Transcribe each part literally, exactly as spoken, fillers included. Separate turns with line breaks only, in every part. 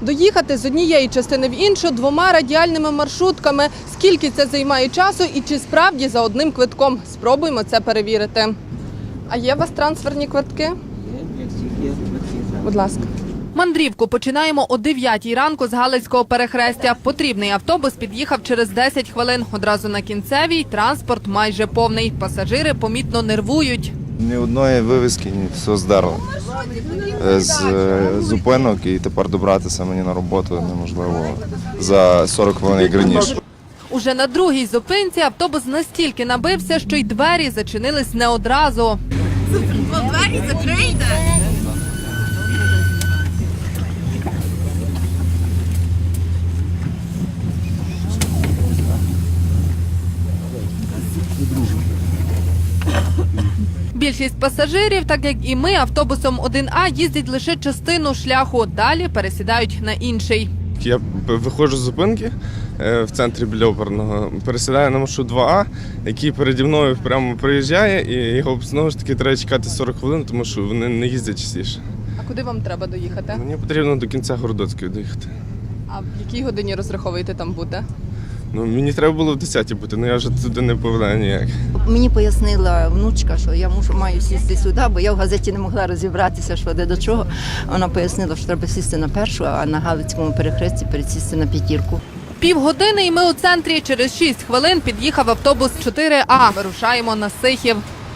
Доїхати з однієї частини в іншу двома радіальними маршрутками. Скільки це займає часу і чи справді за одним квитком? Спробуємо це перевірити. А є у вас трансферні квитки? Будь ласка. Мандрівку починаємо о дев'ятій ранку з Галицького перехрестя. Потрібний автобус під'їхав через десять хвилин. Одразу на кінцевій транспорт майже повний. Пасажири помітно нервують.
Ні одної вивіски, ні, все здерло. З зупинок і тепер добратися мені на роботу неможливо за сорок хвилин як раніше.
Уже на другій зупинці автобус настільки набився, що й двері зачинились не одразу.
Двері закрийте!
Більшість пасажирів, так як і ми, автобусом один А їздять лише частину шляху, далі пересідають на інший.
Я виходжу з зупинки в центрі біля оперного, пересідаю на маршрут два А, який переді мною прямо приїжджає, і його знову ж таки треба чекати сорок хвилин, тому що вони не їздять частіше.
А куди вам треба доїхати?
Мені потрібно до кінця Городоцької доїхати.
А в якій годині розраховуєте там бути?
Ну, мені треба було в десятій бути, але я вже туди не повинен ніяк.
Мені пояснила внучка, що я мушу, маю сісти сюди, бо я в газеті не могла розібратися, що де до чого. Вона пояснила, що треба сісти на першу, а на Галицькому перехресті пересісти на п'ятірку.
Півгодини і ми у центрі. Через шість хвилин під'їхав автобус чотири А. Вирушаємо на Сихів.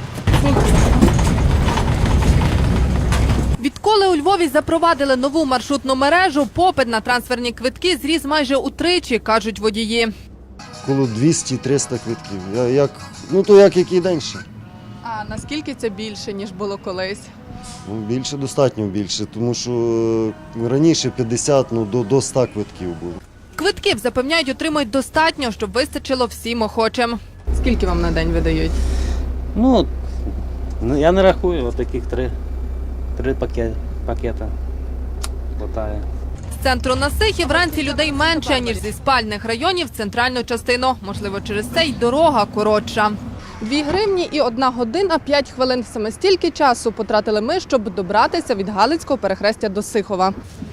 Відколи у Львові запровадили нову маршрутну мережу, попит на трансферні квитки зріс майже утричі, кажуть водії.
Коло двісті-триста квитків. Я, як, ну то як який день ще.
А наскільки це більше, ніж було колись?
Ну, більше, достатньо більше, тому що е, раніше п'ятдесят, ну до, до ста квитків було.
Квитків, запевняють, отримують достатньо, щоб вистачило всім охочим. Скільки вам на день видають?
Ну, ну, я не рахую, от таких три, три пакет, пакета хватає.
З центру на Сихів вранці людей менше, ніж зі спальних районів в центральну частину. Можливо, через це й дорога коротша. Дві гривні і одна година п'ять хвилин. Саме стільки часу потратили ми, щоб добратися від Галицького перехрестя до Сихова.